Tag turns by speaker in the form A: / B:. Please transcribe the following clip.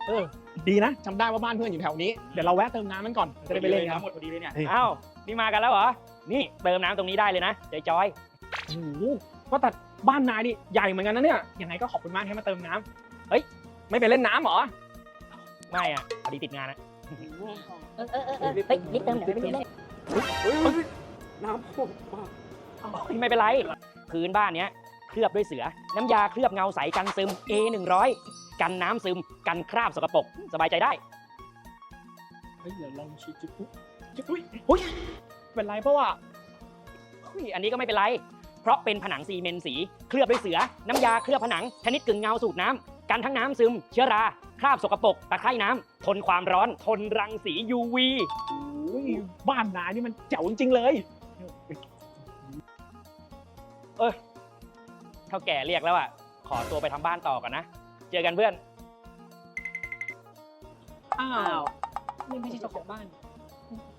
A: ดีนะจำได้ว่าบ้านเพื่อนอยู่แถวนี้เดี๋ยวเราแวะเติมน้ำมันก่อนจะได้ไปเล่นกัน
B: หมดพอดีเลยเนี่ย
C: อ้าวนี่มากันแล้วเหรอนี่เติมน้ำตรงนี้ได้เลยนะจอย
A: โอ้โหว่าแต่บ้านนายนี่ใหญ่เหมือนกันนะเนี่ยยังไงก็ขอบคุณมากที่มาเติมน้ำเฮ้ยไม่ไปเล่นน้ำเหรอ
C: ไม่อ่ะพอดีติดงานนะ
D: เฮ้ยรีบเติมเดี๋ยวไม่มีเล่น
B: น้ำท่วม
C: ไม่เป็นไรพื้นบ้านเนี้ยเคลือบด้วยเสือน้ำยาเคลือบเงาใสกันซึม A100 กันน้ำซึมกันคราบสกปรกสบายใจได้
A: เฮ้ยเดี๋ยวลองชิจุ๊บอุ้ยเป็นไรเพราะว่า
C: อันนี้ก็ไม่เป็นไร เพราะเป็นผนังซีเมนต์สีเคลือบด้วยเสือน้ำยาเคลือบผนังชนิดกึ่งเงาสูตรน้ำกันทั้งน้ำซึม เชื้อราคราบสกปรกตะไคร่น้ำทนความร้อนทนรังสี UV
A: อุ้ยบ้านนายนี่มันเจ๋วจริงๆเลย
C: เท่าแก่เรียกแล้วอ่ะขอตัวไปทำบ้านต่อก่อนนะ เจอกันเพื่อน
A: อ้าว
D: นี่ไม่ใช่เจ้าของบ้าน